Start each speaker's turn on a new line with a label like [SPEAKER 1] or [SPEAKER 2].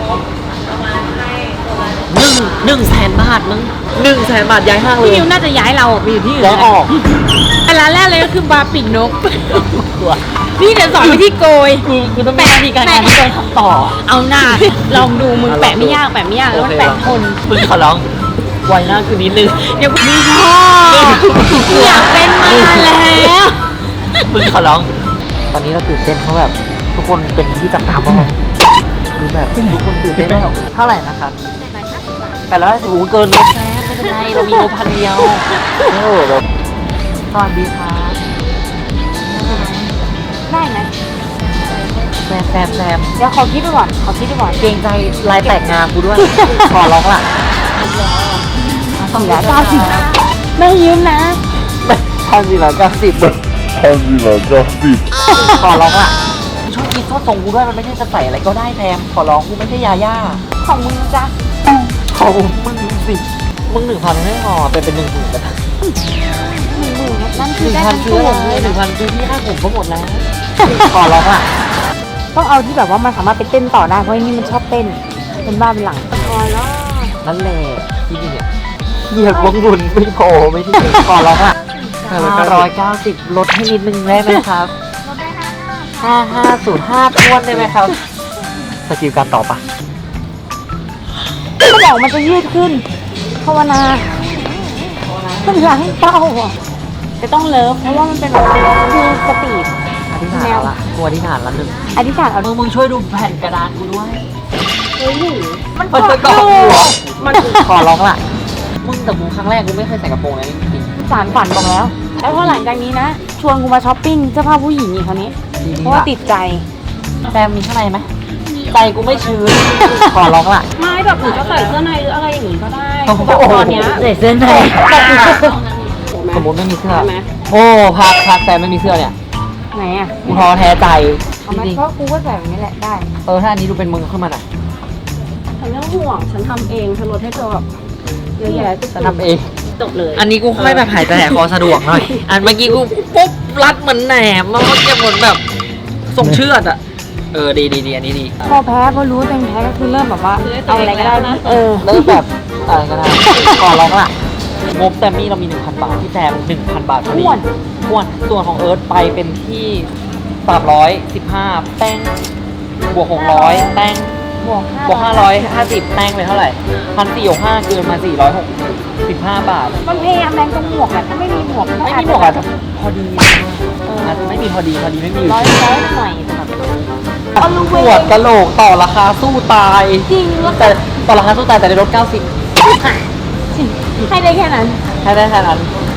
[SPEAKER 1] 100,000 บาทมึง100,000 บาทย้ายห้างเลย
[SPEAKER 2] พี่นิวน่าจะย้ายเราไปอยู่ที่อื่น
[SPEAKER 1] ย้ายออก
[SPEAKER 2] แต่ร้านแรกเลยก็คือบาร์ปีกนก
[SPEAKER 1] ตัว
[SPEAKER 2] นี่เดี๋ยวสอนวิธีโกย
[SPEAKER 1] กูต้องมีวิธีการงานที่ต้องทำต่อ
[SPEAKER 2] เอาหน้าลองดูมึงแปะไม่ยากแล้วมันแปะทน
[SPEAKER 1] มึงขอร้องไวหน้าคือนิดนึง
[SPEAKER 2] เดี๋ยวมึงชอบอยากเป็นมาแล้ว
[SPEAKER 1] มึงขอร้อง ตอนนี้เราตื่นเต้นเพราะแบบทุกคนเป็นที่จับตามองคือแบบทุกคนตื่นเต้นแล้วเท่าไหร่นะครับ850โอ้เกินงบแซมไม่เป็นไรเรามีงบ1,000 เดียวแบบสวัสดีครับ
[SPEAKER 2] ได้ไหม
[SPEAKER 1] แซม
[SPEAKER 2] เดี๋ยวขอคิดไปก่อน
[SPEAKER 1] เกรงใจลายแตกงานกูด้วย ขอร้องล่ะ
[SPEAKER 2] 490ไม่ยืมนะ
[SPEAKER 1] 1,490 ขอร้องล่ะช่วยคิดโทษส่งกูด้วยมันไม่ใช่จะใส่อะไรก็ได้แซมขอร้องกูไม่ใช่ยาย่า
[SPEAKER 2] ของมึงจ้ะ
[SPEAKER 1] ของมึงสิมึง1,000ไม่พอเป็น10,000กันนะ
[SPEAKER 2] 10,000นั่นคือได้
[SPEAKER 1] 1,000
[SPEAKER 2] ทั้ง
[SPEAKER 1] ซื้อ
[SPEAKER 2] ตัว
[SPEAKER 1] อะไร
[SPEAKER 2] เลยนะ
[SPEAKER 1] 1,000ซื้อที่ค่าผมก็หมดแล้ว ขอร้องล่ะ
[SPEAKER 2] ต้องเอาที่แบบว่ามันสามารถไปเต้นต่อได้เพราะนี่มันชอบเต้นเป็นบ้าเป็นหลังพอแล้ว
[SPEAKER 1] นั่นแหละที่นี่เนี่ยเหยียบวงบุญไม่พอไม่ที่ขอร้องล่ะ590ลดให้นิดนึงได้ไหมครับ5505ทวนได้ไหมครับสกิลการตอบปะ
[SPEAKER 2] สมองมันจะยืดขึ้นภาวนาเป็นหลังเป้าอ่ะจะต้องเลิฟเพราะว่ามันเป็นแบบคือสปีด
[SPEAKER 1] อธิษฐานละกลัวอธิษฐานละนึง
[SPEAKER 2] อธิษฐานเอา
[SPEAKER 1] มึงช่วยดูแผ่นกระดานกูด้วย
[SPEAKER 2] มัน
[SPEAKER 1] มันจะ
[SPEAKER 2] ก
[SPEAKER 1] กร
[SPEAKER 2] อ
[SPEAKER 1] อ
[SPEAKER 2] บบ
[SPEAKER 1] หัว
[SPEAKER 2] มัน
[SPEAKER 1] ขอร้องล่ะมึงแต่มึงครั้งแรกกูไม่เคยใส่กระโปรงเลยจริง
[SPEAKER 2] สารฝันบอกแล้ว แล้วพอหลังจากนี้นะ ชวนกูมาช้อปปิ้งเสื้อผ้าผู้หญิงอีกคราวนี้
[SPEAKER 1] ๆ
[SPEAKER 2] เพราะว่าติดใจ
[SPEAKER 1] แซมมีข้างในไหมใจกูไม่ชื้นขอร้องล่ะ
[SPEAKER 2] ไม่แบบหนูจะใส่เสื้อในหรืออะไรอย่างงี้ก็ได้
[SPEAKER 1] โอ้โห
[SPEAKER 2] แบบตอนเนี้ย
[SPEAKER 1] ใส่เสื้อในสมมติไม่มีเสื้อ
[SPEAKER 2] ใช่ไหม
[SPEAKER 1] โอ้พักแซมไม่มีเสื้อเนี่ย
[SPEAKER 2] ไหนอ่ะ
[SPEAKER 1] กูท้อแท้ใจ
[SPEAKER 2] เอามา
[SPEAKER 1] จริง
[SPEAKER 2] เพราะกูก็ใส่แบบนี้แหละได้
[SPEAKER 1] ๆถ้าอันนี้ดูเป็นมึงขึ้นมาหน่อย
[SPEAKER 2] ฉันไม่ต้องห่วงฉันทำเองฉันลดให้เธอแบบเยอะแยะ
[SPEAKER 1] จะทำเอง
[SPEAKER 2] จบเลย
[SPEAKER 1] อันนี้กูค่อยแบบหายใจหายคอสะดวกหน่อย อันเมื่อกี้กูปุ๊บรัดเหมือนแหนมมันก็จะเหมือนแบบทรงเชือดอ่ะ ดีอันนี้ดี
[SPEAKER 2] พอแพ้พอรู้ตัวเองแพ้ก็คือเริ่มแบบว่าเอาอะไรก็ได้นะ
[SPEAKER 1] เริ่มแบบอะไรก็ได้ขอร้องล่ะ งบแซมมี่เรามี 1,000 บาทที่แซม 1,000 บาทพอดีอ้วนส่วนของเอิร์ธไปเป็นที่315แป้งบวก600แป้ง
[SPEAKER 2] บวก
[SPEAKER 1] บวก550แป้งเป็นเท่าไหร่1,465เกินมา465 บาท
[SPEAKER 2] มันพยายามแรงตรงหมวกแหละถ้าไม่มีหมวก
[SPEAKER 1] ไม่มีหมวกอาจจะพอดีอาจจะไม่มีพอดีไม่มีอยู่
[SPEAKER 2] ร้อยหน่อยสำหรับ
[SPEAKER 1] ปวดกะโหลกต่อราคาสู้ตาย
[SPEAKER 2] จริงแล้ว
[SPEAKER 1] แต่ต่อราคาสู้ตายแต่ได้ลด90
[SPEAKER 2] ให้ได้แค่นั้น
[SPEAKER 1] ให้ได้แค่นั้น